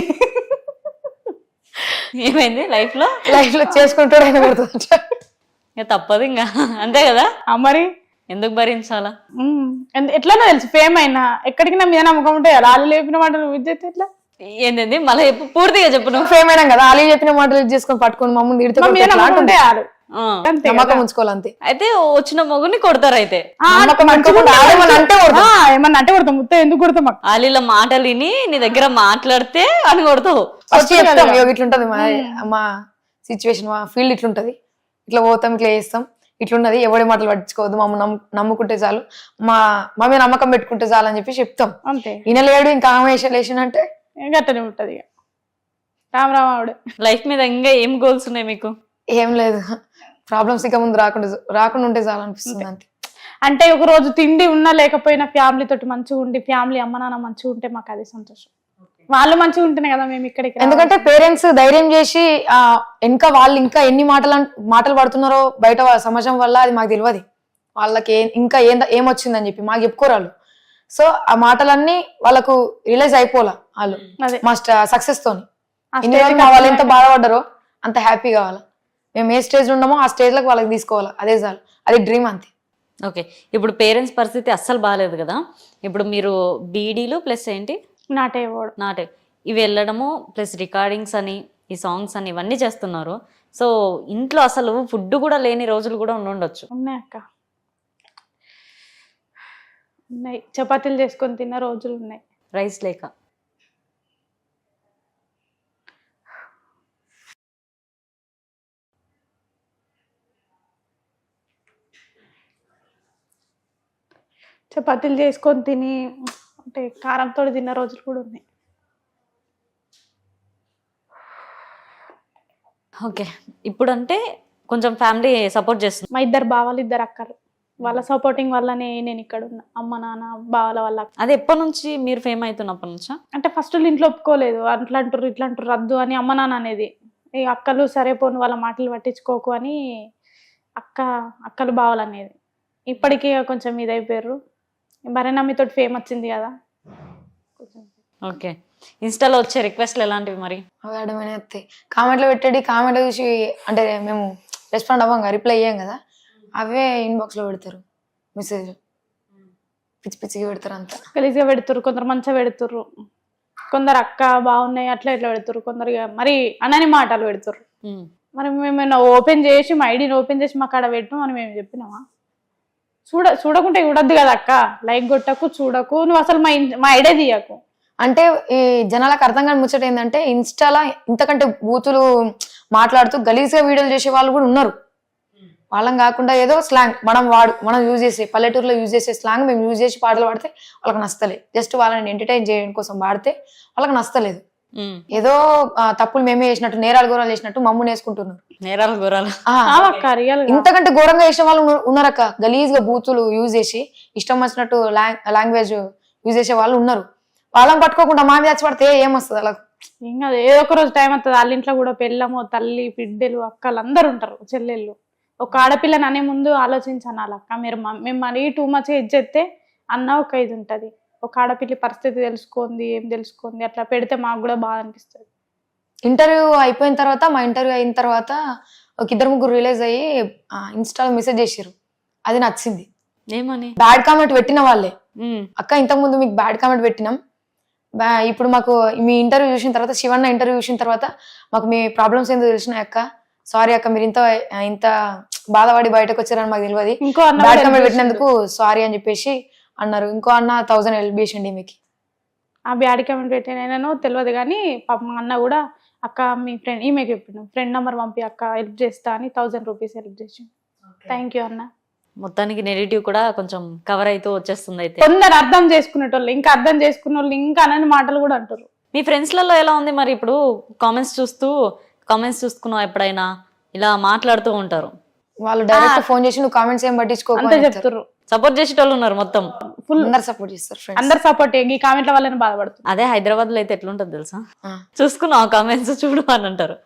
Speaker 2: ఏమైంది లైఫ్ లో?
Speaker 4: లైఫ్ లో చేసుకుంటాడు ఆయన కొడుతుంది.
Speaker 2: ఇక తప్పదు ఇంకా, అంతే కదా.
Speaker 3: మరి
Speaker 2: ఎందుకు భరించాలా?
Speaker 3: ఎట్లనో తెలుసు ఫేమ్ అయినా ఎక్కడికి నా మీద నమ్మకం ఉంటాయి. వాళ్ళు లేపిన మాట నువ్వు ఇజ్జతే ఎట్లా?
Speaker 2: ఏంటండి మళ్ళీ పూర్తిగా చెప్పు. నువ్వు
Speaker 4: ఫేమ్ అయినా కదా, వాళ్ళు చెప్పిన మాటలు ఇది చేసుకొని పట్టుకొని మమ్మల్ని తిడితే
Speaker 3: ఉంటాయి వాళ్ళు అంతే.
Speaker 4: నమ్మకం ఉంచుకోవాలి అంతే.
Speaker 2: అయితే వచ్చిన మొగుని కొడతారు. అయితే
Speaker 3: ఏమన్నా అంటే కొడతాం, ముత్త ఎందుకు కొడతాం?
Speaker 2: వాళ్ళ మాటలు విని నీ దగ్గర మాట్లాడితే అని కొడతావు.
Speaker 4: ఫస్ట్ చెప్తాం ఇట్లుంటది మా సిచ్యువేషన్, మా ఫీల్డ్ ఇట్లుంటది, ఇట్లా పోతాం, ఇట్లా చేస్తాం, ఇట్లున్నది, ఎవడి మాటలు పట్టించుకోవద్దు, మమ్మల్ని నమ్ముకుంటే చాలు, మా మీద నమ్మకం పెట్టుకుంటే చాలు అని చెప్పి చెప్తాం.
Speaker 3: అంతే.
Speaker 4: ఈయనలేడు ఇంకా ఆమె అంటే
Speaker 3: గట్టనే ఉంటది ఇక రామరామావుడు.
Speaker 2: లైఫ్ మీద ఇంకా ఏం గోల్స్ ఉన్నాయి మీకు?
Speaker 4: ఏం లేదు, ప్రాబ్లమ్స్ ఇక ముందు రాకుండా ఉంటే చాలు అనిపిస్తుంది అంతే.
Speaker 3: అంటే ఒక రోజు తిండి ఉన్నా లేకపోయినా ఫ్యామిలీ తోటి మంచిగా ఉండి, ఫ్యామిలీ అమ్మ నాన్న మంచిగా ఉంటే మాకు అదే సంతోషం. వాళ్ళు మంచిగా ఉంటేనే కదా మేము ఇక్కడికి.
Speaker 4: ఎందుకంటే పేరెంట్స్ ధైర్యం చేసి ఇంకా వాళ్ళు ఇంకా ఎన్ని మాటలు పడుతున్నారో బయట సమాజం వల్ల అది మాకు తెలియదు. వాళ్ళకి ఇంకా ఏమొచ్చిందని చెప్పి మాకు చెప్పుకోరాళ్ళు. సో ఆ మాటలన్నీ వాళ్ళకు రియలైజ్ అయిపోలా వాళ్ళు మా సక్సెస్ తోని. వాళ్ళు ఎంత బాధపడ్డారో అంత హ్యాపీ కావాలా. మేము ఏ స్టేజ్ ఉన్నామో ఆ స్టేజ్ లకు వాళ్ళకి తీసుకోవాలా, అదే చాలు, అది డ్రీమ్ అంతే.
Speaker 2: ఓకే, ఇప్పుడు పేరెంట్స్ పరిస్థితి అస్సలు బాగాలేదు కదా. ఇప్పుడు మీరు బీడీలు ప్లస్ ఏంటి
Speaker 3: నాటే
Speaker 2: ఇవి వెళ్ళడము ప్లస్ రికార్డింగ్స్ అని ఈ సాంగ్స్ అని ఇవన్నీ చేస్తున్నారు. సో ఇంట్లో అసలు ఫుడ్ కూడా లేని రోజులు కూడా ఉండొచ్చు.
Speaker 3: ఉన్నాయి అక్క, ఉన్నాయి. చపాతీలు చేసుకొని తిన్న రోజులు ఉన్నాయి,
Speaker 2: రైస్ లేక.
Speaker 3: చపాతీలు చేసుకొని తిని అంటే కారంతో తిన్న రోజులు కూడా ఉన్నాయి.
Speaker 2: ఓకే, ఇప్పుడు అంటే కొంచెం ఫ్యామిలీ సపోర్ట్ చేస్తుంది.
Speaker 3: మా ఇద్దరు బావాలు, ఇద్దరు అక్కలు, వాళ్ళ సపోర్టింగ్ వల్లనే నేను ఇక్కడ ఉన్నా. అమ్మ నాన్న బావల వల్ల.
Speaker 2: అది ఎప్పటి నుంచి మీరు ఫేమ్ అవుతున్నప్పటి నుంచా?
Speaker 3: అంటే ఫస్ట్ ఇంట్లో ఒప్పుకోలేదు, అట్లా అంటారు ఇట్లా అంటారు రద్దు అని అమ్మ నాన్న అనేది. ఈ అక్కలు సరే పోను వాళ్ళ మాటలు పట్టించుకోకు అని అక్కలు బావలు అనేది. ఇప్పటికీ కొంచెం ఇదైపోయారు. భరణమ్మితో ఫేమ్ వచ్చింది కదా.
Speaker 2: ఓకే, ఇన్స్టాలో వచ్చే రిక్వెస్ట్లు ఎలాంటివి మరి?
Speaker 4: అడమైన వస్తాయి, కామెంట్లో పెట్టేది, కామెంట్లో చూసి అంటే మేము రెస్పాండ్ అవ్వం కదా, రిప్లై అయ్యాం కదా, అవే ఇన్బాక్స్ లో పెడతారు మెసేజ్, పిచ్చి పిచ్చిగా పెడతారు, అంతా
Speaker 3: గలీజ్గా పెడుతురు. కొందరు మంచిగా పెడుతుర్రు, కొందరు అక్క బాగున్నాయి అట్లా ఇట్లా పెడుతురు, కొందరు మరి అనని మాటలు పెడుతురు. మరి మేము ఓపెన్ చేసి మా ఐడిని ఓపెన్ చేసి మాకు ఆడ పెట్టు అని మేము చెప్పినామా? చూడకుంటే చూడద్దు కదా అక్క, లైక్ కొట్టకు, చూడకు, నువ్వు అసలు మా ఐడియా తీయకు
Speaker 4: అంటే. ఈ జనాలకు అర్థం కాని ముచ్చట ఏంటంటే ఇన్స్టాలా ఇంతకంటే బూతులు మాట్లాడుతూ గలీజ్గా వీడియోలు చేసే వాళ్ళు కూడా ఉన్నారు. వాళ్ళని కాకుండా ఏదో స్లాంగ్ మనం యూజ్ చేసే పల్లెటూరులో యూజ్ చేసే స్లాంగ్ మేము యూజ్ చేసి పాటలు పాడితే వాళ్ళకి నచ్చలేదు. జస్ట్ వాళ్ళని ఎంటర్టైన్ చేయడం కోసం పాడితే వాళ్ళకి నచ్చలేదు. ఏదో తప్పులు మేమే చేసినట్టు, నేరాలు ఘోరాలు చేసినట్టు మమ్మల్ని వేసుకుంటున్నారు.
Speaker 2: నేరాలు ఘోరాలు
Speaker 4: ఇంతకంటే ఘోరంగా చేసిన వాళ్ళు ఉన్నారక్క. గలీజ్గా బూతులు యూజ్ చేసి ఇష్టం వచ్చినట్టు లాంగ్వేజ్ యూజ్ చేసే వాళ్ళు ఉన్నారు. వాళ్ళని పట్టుకోకుండా మా మీద వచ్చి పడితే ఏమొస్తుంది అలా?
Speaker 3: ఇంకా ఏదో ఒక రోజు టైం వస్తుంది. వాళ్ళ ఇంట్లో కూడా పెళ్ళము, తల్లి, బిడ్డలు, అక్కలు అందరు ఉంటారు, చెల్లెళ్ళు. ఒక ఆడపిల్లని అనే ముందు ఆలోచించాను వాళ్ళక్క. మేము మరీ టూ మచ్ ఇచ్చేస్తే అన్న ఒక ఇది ఉంటుంది. ఒక ఆడపిల్లి పరిస్థితి తెలుసుకుంది, ఏం తెలుసుకుంది, అట్లా పెడితే మాకు కూడా బాగా అనిపిస్తుంది.
Speaker 4: ఇంటర్వ్యూ అయిపోయిన తర్వాత, మా ఇంటర్వ్యూ అయిన తర్వాత ఒక ఇద్దరు ముగ్గురు రిలీజ్ అయ్యి ఇన్స్టాలో మెసేజ్ చేసారు. అది నచ్చింది.
Speaker 2: ఏమని?
Speaker 4: బ్యాడ్ కామెంట్ పెట్టిన వాళ్ళే, అక్క ఇంతకు ముందు మీకు బ్యాడ్ కామెంట్ పెట్టినాం, ఇప్పుడు మాకు మీ ఇంటర్వ్యూ చూసిన తర్వాత, శివన్న ఇంటర్వ్యూ చూసిన తర్వాత మాకు మీ ప్రాబ్లమ్స్ ఏందో తెలిసినాయి అక్క, సారీ అక్క, మీరు ఇంత బాధపడి బయటకు వచ్చారని మాకు తెలియదు.
Speaker 3: ఇంకో అన్న
Speaker 4: బ్యాడ్
Speaker 3: కూడా
Speaker 4: కామెంట్
Speaker 3: help
Speaker 4: పెట్టినందుకు సారీ అని చెప్పేసి అన్నారు. ఇంకో అన్న 1000 హెల్ప్ చేసిండి మీకు.
Speaker 3: ఆ బ్యాడ్ కామెంట్ పెట్టినో తెలియదు కానీ పాప మా అన్న కూడా అక్క మీ ఫ్రెండ్ ఈమెకి చెప్పిండు ఫ్రెండ్ నెంబర్ పంపి అక్క హెల్ప్ చేస్తా అని 1000 రూపీస్ హెల్ప్ చేసి. థ్యాంక్ యూ అన్న.
Speaker 2: మొత్తానికి నెగిటివ్ కూడా కొంచెం కవర్ అయితే వచ్చేస్తుంది. అయితే
Speaker 3: కొందరు అర్థం చేసుకునేటోళ్ళు ఇంకా అర్థం చేసుకునే వాళ్ళు ఇంకా అనని మాటలు కూడా అంటారు.
Speaker 2: మీ ఫ్రెండ్స్లలో ఎలా ఉంది మరి? ఇప్పుడు కామెంట్స్ చూసుకున్నావు ఎప్పుడైనా ఇలా మాట్లాడుతూ ఉంటారు.
Speaker 4: వాళ్ళు డైరెక్ట్ ఫోన్ చేసి నువ్వు కామెంట్స్ ఏం పట్టించుకోకు
Speaker 3: అంతే
Speaker 4: అని
Speaker 3: చెప్తారు.
Speaker 2: సపోర్ట్ చేసేటోళ్ళు ఉన్నారు మొత్తం.
Speaker 3: ఫుల్
Speaker 4: అందరు సపోర్ట్ చేస్తారు ఫ్రెండ్స్.
Speaker 3: అందరు సపోర్ట్ ఈ కామెంట్ల వల్లనే బాధపడుతుంది.
Speaker 2: అదే హైదరాబాద్ లో అయితే ఎట్లుంటది తెలుసా, చూసుకున్నావు కామెంట్స్ చూడు అని అంటారు.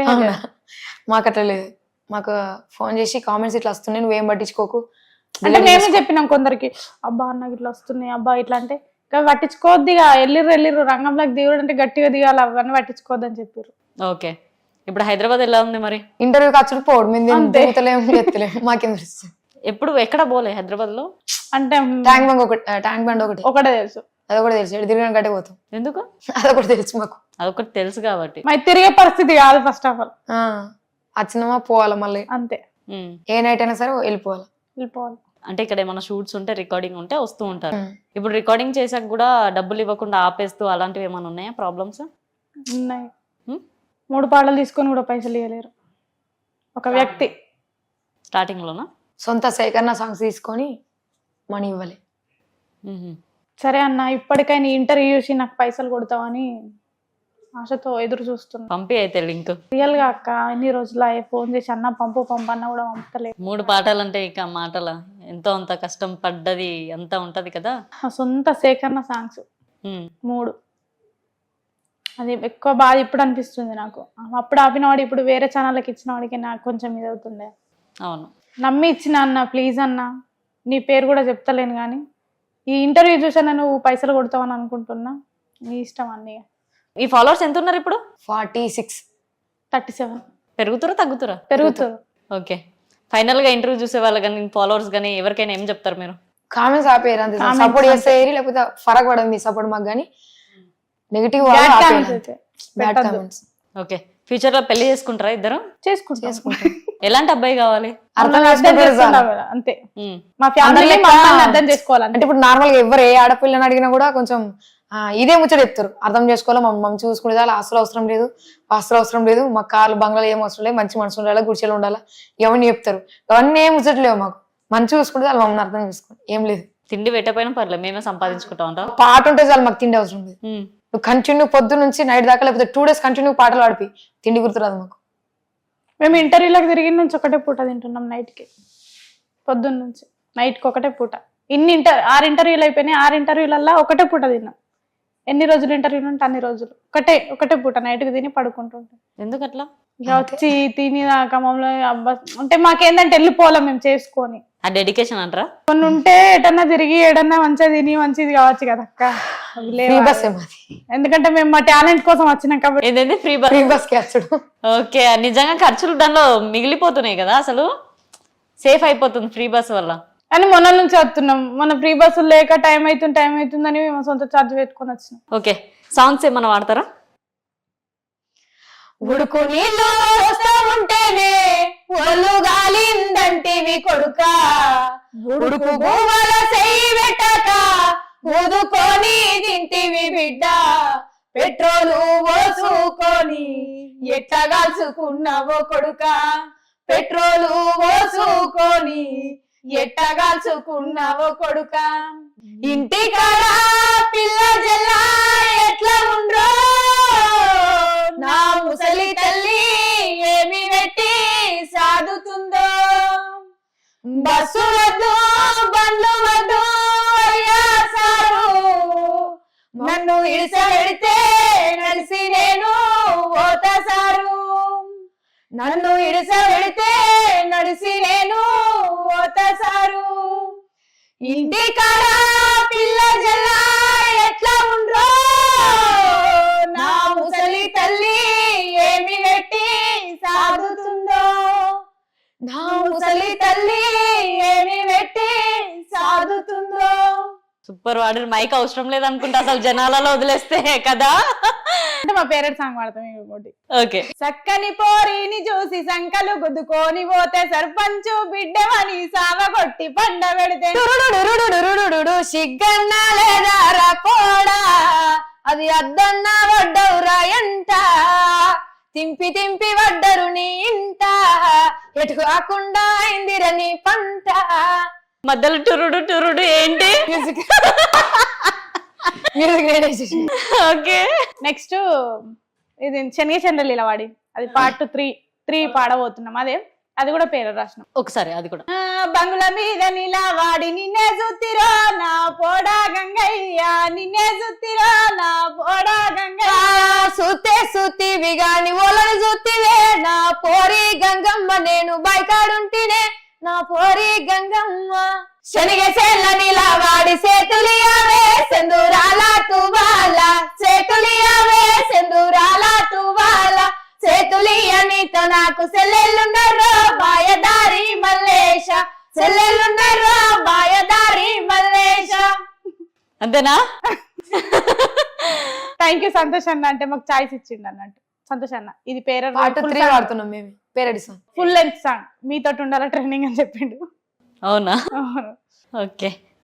Speaker 4: మాకు అట్లా లేదు. మాకు ఫోన్ చేసి కామెంట్స్ ఇట్లా వస్తున్నాయి నువ్వేం పట్టించుకోకు.
Speaker 3: అంటే మేమే చెప్పినాం కొందరికి, అబ్బా నాకు ఇట్లా వస్తున్నాయి అబ్బా ఇట్లా అంటే పట్టించుకోవద్దిగా ఎల్లిర్రు రంగంలోకి దిగుడు అంటే గట్టిగా దిగాలి అవన్నీ పట్టించుకోవద్దని చెప్పారు.
Speaker 2: ఓకే, ఇప్పుడు హైదరాబాద్ ఎలా ఉంది మరి?
Speaker 4: ఇంటర్వ్యూ ఖర్చులు పోవడం మేము దిగుతలేము ఎత్తలేము మాకేం తెలుస్తుంది.
Speaker 2: ఎప్పుడు ఎక్కడ పోలే హైదరాబాద్ లో?
Speaker 3: అంటే
Speaker 4: ట్యాంక్ బండ్
Speaker 3: ఒకటే తెలుసు.
Speaker 4: అది కూడా తెలుసు. తిరిగిన గట్టే పోతాం.
Speaker 2: ఎందుకు?
Speaker 4: అదొకటి తెలుసు మాకు.
Speaker 2: అదొకటి తెలుసు కాబట్టి.
Speaker 3: మరి తిరిగే పరిస్థితి కాదు ఫస్ట్ ఆఫ్ ఆల్.
Speaker 4: వచ్చినామా పోవాలా మళ్ళీ.
Speaker 3: అంతే,
Speaker 4: ఏ నైట్ అయినా సరే వెళ్ళిపోవాలి.
Speaker 2: అంటే ఇక్కడ ఏమైనా షూట్స్ ఉంటే రికార్డింగ్ ఉంటే వస్తూ ఉంటారు. ఇప్పుడు రికార్డింగ్ చేసాక కూడా డబ్బులు ఇవ్వకుండా ఆపేస్తూ అలాంటివి ఏమైనా ఉన్నాయా ప్రాబ్లమ్స్?
Speaker 3: ఉన్నాయి. 3 పాటలు తీసుకొని కూడా పైసలు ఇవ్వలేరు ఒక వ్యక్తి.
Speaker 2: స్టార్టింగ్ లోనా?
Speaker 4: సొంత సేకరణ సాంగ్స్ తీసుకొని మనీ ఇవ్వాలి.
Speaker 3: సరే అన్న, ఇప్పటికైనా ఇంటర్వ్యూ చూసి నాకు పైసలు కొడతావని ఆశతో ఎదురు చూస్తున్నా.
Speaker 2: పంపి అయితే లింక్.
Speaker 3: రియల్ గా అక్క ఎన్ని రోజులు ఫోన్ చేసి అన్న పంపు అన్న కూడా పంపుతలేదు.
Speaker 2: 3 పాటలంటే ఇక మాటల ఎంతో అంత కష్టం పడ్డది అంతా ఉంటది కదా.
Speaker 3: సొంత సేకరణ సాంగ్స్ 3. అది ఎక్కువ బాధ ఇప్పుడు అనిపిస్తుంది నాకు. అప్పుడు ఆపినవాడు ఇప్పుడు వేరే ఛానళ్ళకి ఇచ్చిన వాడికి నాకు కొంచెం ఇది అవుతుండే.
Speaker 2: అవును,
Speaker 3: నమ్మి ఇచ్చిన అన్న ప్లీజ్ అన్న, నీ పేరు కూడా చెప్తలేను కానీ ఈ ఇంటర్వ్యూ చూసాను నువ్వు పైసలు కొడతావని అనుకుంటున్నా. నీ ఇష్టం అన్నీ.
Speaker 2: ఈ ఫాలోవర్స్ ఎంత ఉన్నారు ఇప్పుడు?
Speaker 4: 46,
Speaker 3: 37.
Speaker 2: పెరుగుతారా తగ్గుతారా?
Speaker 3: పెరుగుతారు.
Speaker 2: ఓకే, ఫైనల్ గా ఇంటర్వ్యూ చూసే వాళ్ళు కానీ ఫాలోవర్స్ కానీ ఎవరికైనా ఏం చెప్తారు మీరు?
Speaker 4: కామెంట్స్ ఆపేయరు అంతే. సపోర్ట్ చేస్తే లేకపోతే ఫరక్ పడదు మీ సపోర్ట్ మాకు. కానీ negative bad comments.
Speaker 2: Okay, future లో పెళ్లి చేసుకుంటారా ఇద్దరు?
Speaker 3: చేసుకుంటాం.
Speaker 2: ఎలాంటి అబ్బాయి కావాలి?
Speaker 4: అర్థం
Speaker 3: అంతే, మా ఫ్యామిలీ అర్థం చేసుకోవాలి.
Speaker 4: అంటే ఇప్పుడు నార్మల్ గా ఎవరు ఏ ఆడపిల్లని అడిగినా కూడా కొంచెం ఇదే ముచ్చట చెప్తారు. అర్థం చేసుకోవాలి, మమ్మల్ని చూసుకునే దాని ఆస్తులు అవసరం లేదు, పాస్తులు అవసరం లేదు, మా కార్లు బంగ్లాలు ఏం అవసరం లేదు, మంచి మనసు ఉండాలి, గుడిచెలు ఉండాలా, ఇవన్నీ చెప్తారు. అవన్నీ ఏం ముచ్చట్లేవు మాకు. మంచి చూసుకుంటే వాళ్ళు మమ్మల్ని అర్థం చేసుకోండి, ఏం లేదు.
Speaker 2: తిండి పెట్టకపోయినా పర్లేదు, మేమే సంపాదించుకుంటా ఉంటాం.
Speaker 4: పాట ఉంటే చాలు, మాకు తిండి అవసరం లేదు. నువ్వు కంటిన్యూ పొద్దు నుంచి నైట్ దాకా లేకపోతే 2 days కంటిన్యూ పాటలు పాడిపి తిండి గుర్తురాదు మాకు.
Speaker 3: మేము ఇంటర్వ్యూలకు తిరిగిన నుంచి ఒకటే పూట తింటున్నాం. నైట్కి పొద్దున్న నుంచి నైట్కి ఒకటే పూట. 6 ఇంటర్వ్యూలు అయిపోయినాయి. 6 ఇంటర్వ్యూలల్లో ఒకటే పూట తిన్నాం. ఎన్ని రోజులు ఇంటర్వ్యూలు ఉంటే అన్ని రోజులు ఒకటే పూట నైట్కి తిని పడుకుంటుంటాం.
Speaker 2: ఎందుకు అట్లా?
Speaker 3: ఇక వచ్చి తిని దాకా మమ్మల్ని అబ్బా అంటే మాకేందంటే వెళ్ళిపోవాలి మేము చేసుకొని.
Speaker 2: ఆ డెడికేషన్ అంటారా?
Speaker 3: కొన్ని ఉంటే ఎటన్నా తిరిగి ఏడన్నా మంచిగా తిని మంచిది కావచ్చు కదా అక్క. ఎందుకంటే మేము మా టాలెంట్ కోసం వచ్చినాం కాబట్టి.
Speaker 2: ఏదైతే ఫ్రీ బస్
Speaker 4: క్యాచ్డు.
Speaker 2: ఓకే, నిజంగా ఖర్చులు దానిలో మిగిలిపోతున్నాయి కదా, అసలు సేఫ్ అయిపోతుంది ఫ్రీ బస్ వల్ల.
Speaker 3: అని మొన్న నుంచి వస్తున్నాం. మన ఫ్రీ బస్సులు లేక టైం అవుతుందని మేము సొంత ఛార్జ్ పెట్టుకొని వచ్చినాం.
Speaker 2: ఓకే, సాంగ్స్ ఏమన్నా వాడతారా?
Speaker 3: ఉడుకు నీళ్ళు వస్తా ఉంటేనే ఒళ్ళు గాలిందంటివి కొడుక, ఉడుకు భూమల చెయ్యి పెట్టక ఊదుకొని తింటివి బిడ్డ, పెట్రోలు పోసుకొని ఎట్టగాల్చుకున్నావో కొడుక, పెట్రోలు పోసుకొని ఎట్టగాల్చుకున్నావో కొడుక, ఇంటికాడ పిల్ల జల్లా ఎట్లా ఉండ్రో, నా ముసలి తల్లి ఏమి పెట్టి సాదుతుందో, బస్సు వద్దు బండ్లు వద్దు అయ్యా సారు, నన్ను ఇడిసబెడితే నడిసి నేను పోత సారు, నన్ను ఇడిసబెడితే నడిసి నేను పోత సారు, ఇంటికాడ పిల్ల జల్లా ఎట్లా ఉండ్రో, నా ముసలి తల్లి ఏమి పెట్టి సాదుతుందో, నా ముసలి తల్లి ఏమి పెట్టి సాదుతుందో.
Speaker 2: సూపర్ వాడు. మైక్ అవసరం లేదనుకుంటా అసలు జనాలలో వదిలేస్తే కదా.
Speaker 3: అంటే మా పేరెంట్స్ సాంగ్ పాడతాం ఇంకోటి.
Speaker 2: ఓకే.
Speaker 3: చక్కని పోరిని చూసి సంకలు గుద్దుకొని పోతే సర్పంచు బిడ్డమని సావగొట్టి పండ పెడితే
Speaker 4: సిగ్గన్నా లేదా పోడా అది అద్దన్నా వడ్డవురా ఎంట తింపి తింపి వడ్డరు నీ ఇంట ఎటు కాకుండా అయిందిర నీ పంట.
Speaker 2: మధ్యలో టురుడు టురుడు ఏంటి?
Speaker 4: Music music.
Speaker 2: ఓకే.
Speaker 3: నెక్స్ట్ ఇది శనగ చంద్రలీల వాడి అది పార్ట్ 3 పాడబోతున్నాం. అది కూడా పేరు రాసినాం
Speaker 2: ఒకసారి అది కూడా.
Speaker 3: బంగుల మీద నిలవాడి నిన్నే జుత్తిరో నా పోడా గంగయ్య నిన్నే జుత్తిరో నా పోడా గంగయ్య
Speaker 4: సుత్తే సుత్తివి గాని ఓలను జుత్తివే నా పోరి గంగమ్మ నేను బైకాడుంటినే నా పోరి గంగమ్మ. శనిగ చెల్ల నిలవాడి సేతులియావే సెందురాల తువాల సేతులియావే సెందురాల తువాల సేతులియనితో నాకు సెల్లెళ్ళుండర్రో బాయదారి మల్లేశ సెల్లెళ్ళుండర్రో బాయదారి మల్లేశ.
Speaker 2: అంతేనా?
Speaker 3: థ్యాంక్ యూ సంతోష్ అన్న, అంటే మాకు చాయిస్ ఇచ్చిండు అన్నట్టు. సంతోష్ అన్న ఇది పేరు
Speaker 4: పార్ట్ 3 వాడుతున్నాం మేము parody song
Speaker 3: full length song మీతో ఉండాల ట్రైనింగ్ అని చెప్పిండు.
Speaker 2: అవునా? ఓకే.